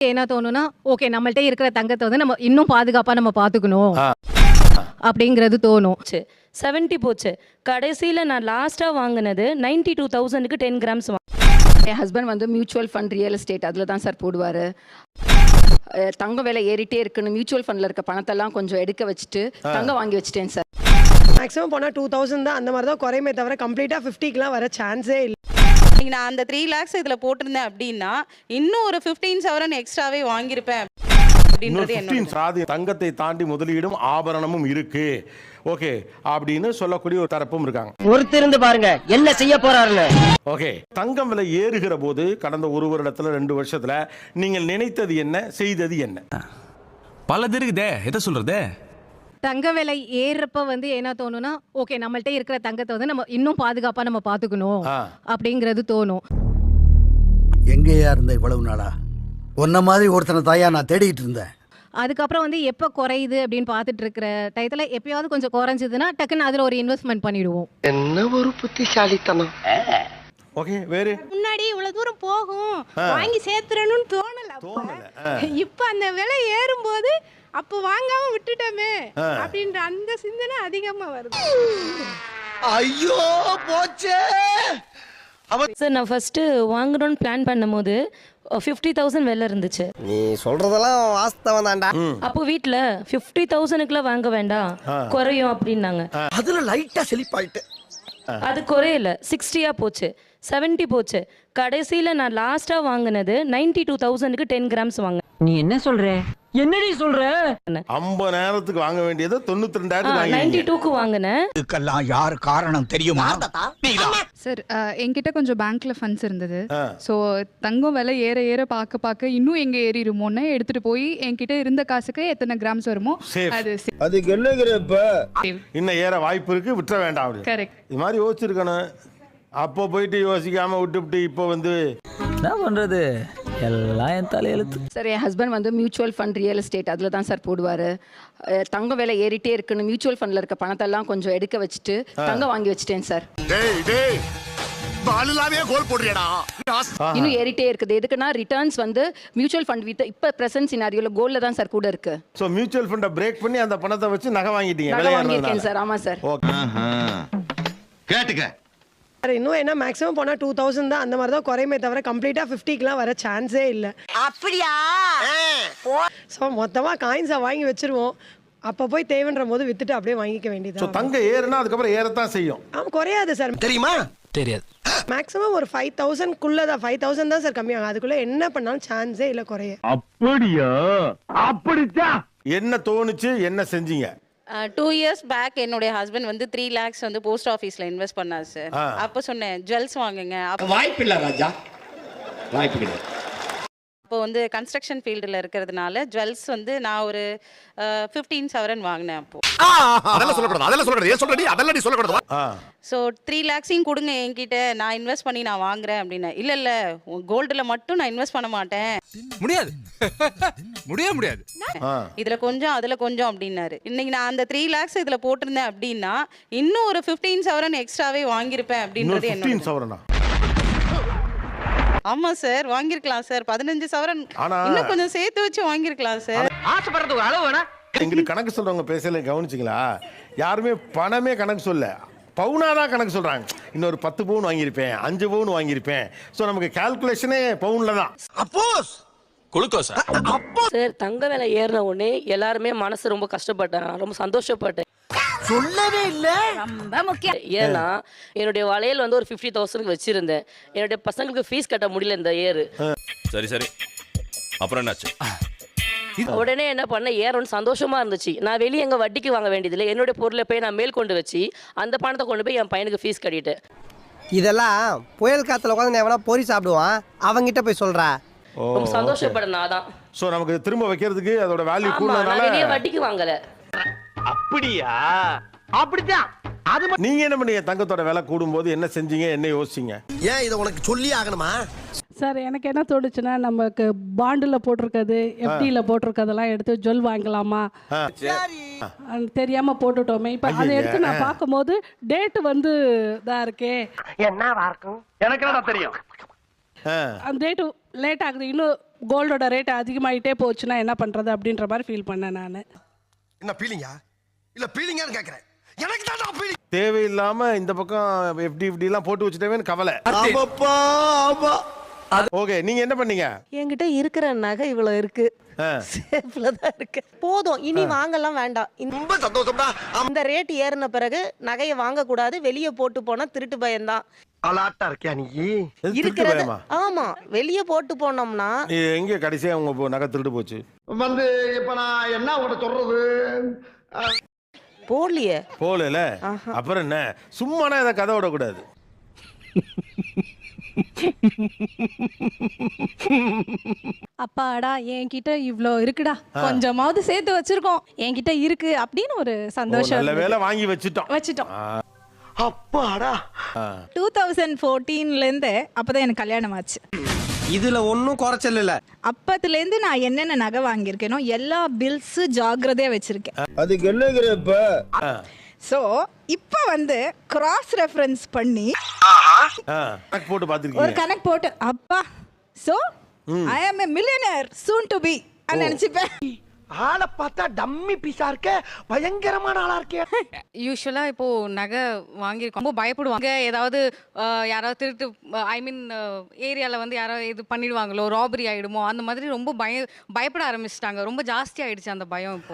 என்ன தோணும்னா, ஓகே நம்மள்ட்ட இருக்கிற தங்கத்தை வந்து நம்ம இன்னும் பாதுகாப்பா நம்ம பார்த்துக்கணும் அப்படிங்கிறது தோணும். 70 போச்சு. கடைசியில் நான் லாஸ்ட்டாக வாங்கினது 92,000க்கு 10 கிராம்ஸ். என் ஹஸ்பண்ட் வந்து மியூச்சுவல் ஃபண்ட் ரியல் எஸ்டேட் அதில் தான் சார் போடுவார். தங்கம் விலை ஏறிட்டே இருக்குன்னு மியூச்சுவல் ஃபண்டில் இருக்க பணத்தெல்லாம் கொஞ்சம் எடுக்க வச்சுட்டு தங்கம் வாங்கி வச்சுட்டேன் சார். மேக்ஸிமம் போனால் 2000 தான், அந்த மாதிரி தான் குறையுமே தவிர கம்ப்ளீட்டாக 50க்குலாம் வர சான்ஸே இல்லை. நான் அந்த 3 lakhs இதில் போட்டிருந்தேன் அப்படின்னா இன்னும் ஒரு 15,000 எக்ஸ்ட்ராவே வாங்கியிருப்பேன் அப்படின்றது என்னோட. தங்கத்தை தாண்டி முதலீடும் ஆபரணமும் இருக்கு ஓகே அப்படின்னு சொல்லக்கூடிய ஒரு தரப்பும் இருக்காங்க. ஒருத்திருந்து பாருங்க என்ன செய்ய போறாருன்னு. ஓகே, தங்கம் விலை ஏறுகிற போது கடந்த 1 வருடத்துல 2 வருஷத்துல நீங்கள் நினைத்தது என்ன, செய்தது என்ன? பலது இருக்குதே, எதை சொல்றது? தங்க விலை ஏறப்ப வந்து என்ன தோணும்னா, ஓகே நம்மள்ட்ட இருக்கிற தங்கத்தை வந்து நம்ம இன்னும் பாதுகாப்பா நம்ம பார்த்துக்கணும் அப்படிங்கிறது தோணும். எங்கேயா இருந்த இவ்வளவு நாளா? உன்ன மாதிரி ஒருத்தனை தாயா நான் தேடிட்டு இருந்தேன். அதுக்கப்புறம் வந்து எப்போ குறையுது அப்படின்னு பார்த்துட்டு இருக்கிற டயத்துல எப்பயாவது கொஞ்சம் குறைஞ்சதுன்னா டக்குன்னு அதில் ஒரு இன்வெஸ்ட்மெண்ட் பண்ணிடுவோம். என்ன ஒரு புத்திசாலித்தனம். ஓகே, வேறு முன்னாடி இவ்வளவு தூரம் போகும் வாங்கி சேர்த்துறணும்னு தோணல. இப்ப அந்த விலை ஏறும்போது அப்ப வாங்காம விட்டுட்டோமே அப்படின்ற அந்த சிந்தனை அதிகமா வருது. ஐயோ போச்சே. சார் நான் ஃபர்ஸ்ட் வாங்கணும்னு பிளான் பண்ணும்போது 50,000 விலை இருந்துச்சு. நீ சொல்றதெல்லாம் வாஸ்தவம் தான்டா. அப்போ வீட்டில் 50,000க்குலாம் வாங்க வேண்டாம், குறையும் அப்படின்னாங்க. அதுல லைட்டா செழிப்பாயிட்டு அது குறையல, 60 போச்சு, 70 போச்சு. கடைசியில் நான் லாஸ்ட்டாக வாங்கினது 92,000க்கு 10 கிராம்ஸ் வாங்க. நீ என்ன சொல்ற? என்னடி சொல்ற? 50 நேரத்துக்கு வாங்க வேண்டியது 92,000 92க்கு வாங்கினேன். இதுக்கெல்லாம் யார் காரணம் தெரியுமா? சார் என்கிட்ட கொஞ்சம் பேங்க்ல ஃபண்ட்ஸ் இருந்தது. ஸோ தங்கம் விலை ஏற ஏற பார்க்க இன்னும் எங்க ஏறிடுமோன்னு எடுத்துட்டு போய் என்கிட்ட இருந்த காசுக்கு எத்தனை கிராம்ஸ் வருமோ அது அதுக்கு என்னங்கிறப்ப இன்னும் ஏற வாய்ப்பு இருக்கு, விட்டுற வேண்டாம். கரெக்ட். இது மாதிரி யோசிச்சிருக்கணும். அப்போ போயிட்டு யோசிக்காம விட்டுவிட்டு இப்போ வந்து என்ன பண்றது, எல்லாம் என் தலையெழுத்து. சார் என் ஹஸ்பண்ட் வந்து மியூச்சுவல் ஃபண்ட் ரியல் எஸ்டேட் அதில் தான் சார் போடுவார். தங்கம் விலை ஏறிட்டே இருக்குன்னு மியூச்சுவல் ஃபண்டில் இருக்க பணத்தெல்லாம் கொஞ்சம் எடுக்க வச்சுட்டு தங்கம் வாங்கி வச்சுட்டேன் சார். இன்னும் ஏறிட்டே இருக்குது. எதுக்குன்னா ரிட்டர்ன்ஸ் வந்து மியூச்சுவல் ஃபண்ட் வித் இப்போ பிரசன்ட் சினாரியோல கோல்ல தான் சார் கூட இருக்கு. ஸோ மியூச்சுவல் ஃபண்டை பிரேக் பண்ணி அந்த பணத்தை வச்சு நகை வாங்கிட்டீங்க. நகை வாங்கியிருக்கேன் சார். ஆமாம் சார். கேட்டுக்க. இன்னும் என்ன மேக்ஸிமம் போனால் 2000 தான், அந்த மாதிரி தான் குறையுமே தவிர கம்ப்ளீட்டாக 50க்குலாம் வர சான்ஸே இல்லை. அப்படியா? ஸோ மொத்தமாக காயின்ஸை வாங்கி வச்சிருவோம். அப்போ போய் தேவைன்ற போது வித்துட்டு அப்படியே வாங்கிக்க வேண்டியது. தங்கம் ஏறுனா அதுக்கப்புறம் ஏறத்தான் செய்யும். ஆமாம், குறையாது சார். தெரியுமா? தெரியாது. மேக்ஸிமம் ஒரு 5,000க்குள்ள தான், 5,000 தான் சார் கம்மியாகும். அதுக்குள்ள என்ன பண்ணாலும் சான்ஸே இல்லை குறைய. அப்படியா? அப்படித்தான். என்ன தோணுச்சு, என்ன செஞ்சீங்க? 2 years பேக் என்னுடைய ஹஸ்பண்ட் வந்து 3 lakhs வந்து போஸ்ட் ஆஃபீஸில் இன்வெஸ்ட் பண்ணார் சார். அப்போ சொன்னேன் ஜுவல்ஸ் வாங்குங்க. வாய்ப்பு இல்லை ராஜா, வாய்ப்பு கிடையாது. அப்போ வந்து கன்ஸ்ட்ரக்ஷன் ஃபீல்டில் இருக்கிறதுனால ஜுவல்ஸ் வந்து நான் ஒரு 15,000 வாங்கினேன். அப்போ அதெல்லாம் சொல்லக்கூடாது, அதெல்லாம் சொல்லக்கூடாது. ஏன் சொல்றடி? அதெல்லாம் நீ சொல்லக்கூடாது. ஸோ 3 lakhs கொடுங்க என்கிட்ட, நான் இன்வெஸ்ட் பண்ணி நான் வாங்குறேன் அப்படின்னா. இல்லை கோல்டில் மட்டும் நான் இன்வெஸ்ட் பண்ண மாட்டேன். முடியாது, முடியாது. இதில் கொஞ்சம் அதில் கொஞ்சம் அப்படின்னாரு. இன்னைக்கு நான் அந்த 3 lakhs இதில் போட்டிருந்தேன் அப்படின்னா இன்னும் ஒரு 15,000 எக்ஸ்ட்ராவே வாங்கியிருப்பேன் அப்படின்றது என்ன. 15,000? ஆமா சார், வாங்கிருக்கலாம் சார். 15,000 இன்னும் கொஞ்சம் சேர்த்து வச்சு வாங்கிருக்கலாம் சார். ஆசைப்படுறதுக்கு அளவு வேணா. எங்களுக்கு கணக்கு சொல்றவங்க பேசல, கவனிச்சிங்களா? யாருமே பணமே கணக்கு சொல்ல, பவுனாதான் கணக்கு சொல்றாங்க. இன்னொரு 10 பவுன் வாங்கியிருப்பேன், 5 பவுன் வாங்கியிருப்பேன். ஸோ நமக்கு கால்குலேஷனே பவுன்ல தான். அப்போஸ் குளுக்கோஸ் சார் தங்க விலை ஏறின உடனே எல்லாருமே மனசு ரொம்ப கஷ்டப்பட்டேன், ரொம்ப சந்தோஷப்பட்டேன். சொல்லவே இல்ல. ரொம்ப முக்கியம். ஏன்னா என்னுடைய வளையல் வந்து ஒரு 50,000க்கு வச்சிருந்தேன். என்னுடைய பசங்களுக்கு ஃபீஸ் கட்ட முடியல இந்த ஏறு. சரி அப்புறம் என்னாச்சு? உடனே என்ன பண்ண, ஏறணும்னு சந்தோஷமா இருந்துச்சு. நான் வெளியே எங்க வட்டிக்கு வாங்க வேண்டியதில்லை, என்னுடைய பொருளை போய் நான் மேல் கொண்டு வச்சு அந்த பணத்தை கொண்டு போய் என் பையனுக்கு ஃபீஸ் கட்டிட்டேன். இதெல்லாம் புயல் காத்துல உட்காந்து எவனா பொறி சாப்பிடுவான், அவங்கிட்ட போய் சொல்றா. ரொம்ப சந்தோஷப்படணும். அதான் ஸோ நமக்கு திரும்ப வைக்கிறதுக்கு அதோட வேல்யூ நான் கூடுனதால வெளியே வட்டிக்கு வாங்கல. அப்படியா? அப்படிதான். அது நீங்க என்ன பண்ணீங்க? தங்கத்தோட விலை கூடும்போது என்ன செஞ்சீங்க, என்ன யோசிச்சீங்க? ஏன் இதை உனக்கு சொல்லி ஆகணுமா? சார் எனக்கு என்ன தோணுச்சுன்னா, நமக்கு பாண்டில் போட்டிருக்கிறது எஃப்டியில் போட்டிருக்கிறதெல்லாம் எடுத்து ஜுவல் வாங்கலாமா தெரியாம போட்டுட்டோமே. இப்போ அதை எடுத்து நான் பார்க்கும்போது டேட்டு வந்து இதாக இருக்கே, என்னவா இருக்கும் எனக்கு என்ன தெரியும். அந்த டேட்டு லேட் ஆகுது, இன்னும் கோல்டோட ரேட் அதிகமாயிட்டே போச்சுன்னா என்ன பண்றது அப்படின்ற மாதிரி ஃபீல் பண்ணேன் நான். என்ன பீலிங்கா இல்ல பீலிங்கான்னு கேக்குறேன். எனக்கு தான் பீலிங். தேவையில்லாம இந்த பக்கம் FD எல்லாம் போட்டு வச்சுட்டேன்னு கவலை. ஆமாப்பா ஆமா. ஓகே, நீங்க என்ன பண்ணீங்க? என்கிட்ட இருக்கிற நகை இவ்வளவு இருக்கு, சேஃப்ல தான் இருக்கு, போதும் இனி வாங்கலாம் வேண்டாம். ரொம்ப சந்தோஷம்டா. இந்த ரேட் ஏறின பிறகு நகையை வாங்க கூடாது, வெளியே போட்டு போனா திருட்டு பயம்தான். அலாட்டா இருக்கியா நீ? இருக்கிறது ஆமா, வெளியே போட்டு போனோம்னா எங்க கடைசியா உங்க நகை திருட்டு போச்சு? வந்து இப்ப நான் என்ன உங்கள்ட்ட சொல்றது? போடலையே. போகல. அப்புறம் என்ன, சும்மானா இதை கதை விடக்கூடாது. அப்பாடா என்கிட்ட இவ்ளோ இருக்குடா, கொஞ்சமாவது சேர்த்து வச்சிருக்கோம், என்கிட்ட இருக்கு அப்படின்னு ஒரு சந்தோஷம். நல்ல வேலை வாங்கி வச்சுட்டோம். அப்பாடா. 2014ல இருந்து அப்பதான் எனக்கு கல்யாணம் ஆச்சு. இதுல ஒன்னும் குறைச்சல் இல்ல. அப்பத்துல இருந்து நான் என்னென்ன நகை வாங்கியிருக்கேனோ எல்லா பில்ஸ் ஜாக்கிரதையா வச்சிருக்கேன். அதுக்கு என்னங்கிறப்ப சோ இப்ப வந்து கிராஸ் ரெஃபரன்ஸ் பண்ணி கணக்கு போட்டு ஒரு பார்த்துருக்கீங்க. கணக்கு போட்டு அப்பா so I am a millionaire soon to be நினைச்சுப்பேன். ஆளை பார்த்தா டம்மி பீஸா இருக்க, பயங்கரமான ஆளா இருக்கே. யூஸ்வலா இப்போ நகை வாங்கியிருக்கோம், ரொம்ப பயப்படுவாங்க. ஏதாவது யாராவது திருட்டு, ஐ மீன் ஏரியாவில் வந்து யாராவது இது பண்ணிடுவாங்களோ, ராபரி ஆகிடுமோ, அந்த மாதிரி ரொம்ப பயப்பட ஆரம்பிச்சிட்டாங்க. ரொம்ப ஜாஸ்தி ஆயிடுச்சு அந்த பயம் இப்போ.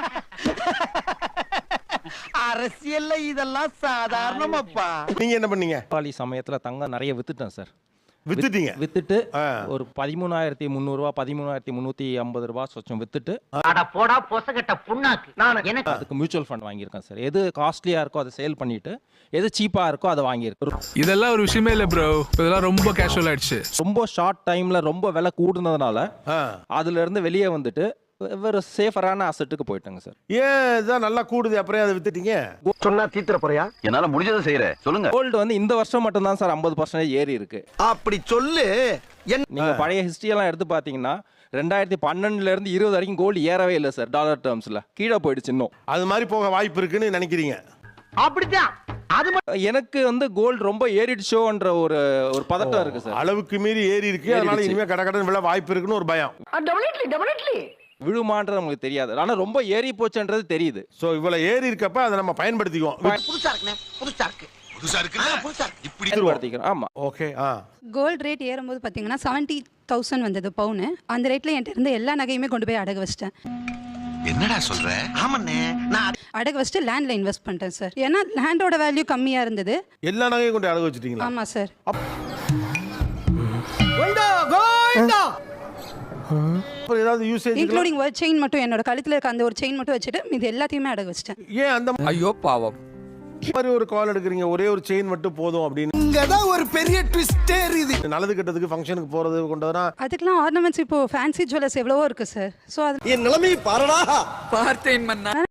அரசியல்ல இதெல்லாம் சாதாரணமாப்பா. நீங்க என்ன பண்ணீங்க? தீபாவளி சமயத்தில் தங்கம் நிறைய வித்துட்டேன் சார். வித்துட்டீங்க? வித்துட்டு ஒரு 13,300 ரூபா 13,350 ரூபா சொச்சம் வித்துட்டு போடா பொசகட்ட புண்ணாக்கு. நான் எனக்கு அதுக்கு மியூச்சுவல் ஃபண்ட் வாங்கியிருக்கேன் சார். எது காஸ்ட்லியா இருக்கோ அதை சேல் பண்ணிட்டு, எது சீப்பா இருக்கோ அதை வாங்கியிருக்கேன். இதெல்லாம் ஒரு விஷயமே இல்லை ப்ரோ, இதெல்லாம் ரொம்ப கேஷுவல் ஆயிடுச்சு. ரொம்ப ஷார்ட் டைம்ல ரொம்ப விலை கூடுனதுனால அதுல இருந்து வெளியே வந்துட்டு வேற சேஃபரான அசெட்டுக்கு போயிட்டாங்க சார். ஏன் இதான் நல்லா கூடுது, அப்புறம் அதை வித்துட்டீங்க? சொன்னா தீத்துற போறியா? என்னால முடிஞ்சதை செய்யறேன், சொல்லுங்க. கோல்டு வந்து இந்த வருஷம் மட்டும் தான் சார் 50% ஏறி இருக்கு. அப்படி சொல்லு. நீங்க பழைய ஹிஸ்டரி எல்லாம் எடுத்து பாத்தீங்கன்னா 2012ல இருந்து 20 வரைக்கும் கோல்டு ஏறவே இல்லை சார். டாலர் டேர்ம்ஸ்ல கீழே போயிடுச்சு. இன்னும் அது மாதிரி போக வாய்ப்பு இருக்குன்னு நினைக்கிறீங்க? அப்படிதான். அது எனக்கு வந்து கோல்டு ரொம்ப ஏறிடுச்சோன்ற ஒரு பதட்டம் இருக்கு சார். அளவுக்கு மீறி ஏறி இருக்கு, அதனால இனிமே கடகடன் விழ வாய்ப்பு இருக்குன்னு ஒரு பயம். விழுமான்றது நமக்கு தெரியாது, ஆனா ரொம்ப ஏறி போச்சுன்றது தெரியுது. சோ இவ்வளவு ஏறி இருக்கப்ப அதை நம்ம பயன்படுத்திக்குவோம். புதுசா இருக்குனே, புதுசா இருக்கு. புதுசா இப்படி பயன்படுத்திக்கிறோம். ஆமா. ஓகே. கோல்டு ரேட் ஏறும்போது பார்த்தீங்கன்னா 70,000 வந்தது பவுனு. அந்த ரேட்ல என்கிட்ட இருந்த எல்லா நகையுமே கொண்டு போய் அடகு வச்சிட்டேன். என்னடா சொல்ற? ஆமாண்ணே, நான் அடகு வச்சுட்டு லேண்ட்ல இன்வெஸ்ட் பண்ணிட்டேன் சார். ஏன்னா லேண்டோட வேல்யூ கம்மியா இருந்தது. எல்லா நகையும் கொண்டு அடகு வச்சிட்டீங்களா? ஆமா சார். அப்புறம் ஏதாவது யூசேஜ் இன்க்ளூடிங் ஒரு செயின் மட்டும், என்னோட கழுத்துல இருக்க அந்த ஒரு செயின் மட்டும் வச்சுட்டு இது எல்லாத்தையுமே அடகு வச்சிட்டேன். ஏன் அந்த ஐயோ பாவம் மாதிரி ஒரு கால் எடுக்கிறீங்க? ஒரே ஒரு செயின் மட்டும் போதும் அப்படின்னு. இங்கதான் ஒரு பெரிய ட்விஸ்டே இருக்குது. நல்லது கெட்டதுக்கு ஃபங்க்ஷனுக்கு போறது கொண்டதுனா அதுக்கெல்லாம் ஆர்னமெண்ட்ஸ் இப்போ ஃபேன்சி ஜுவல்லர்ஸ் எவ்வளவோ இருக்கு சார். ஸோ அது என் நிலைமை பாருடா. பார்த்தேன் மன்னா.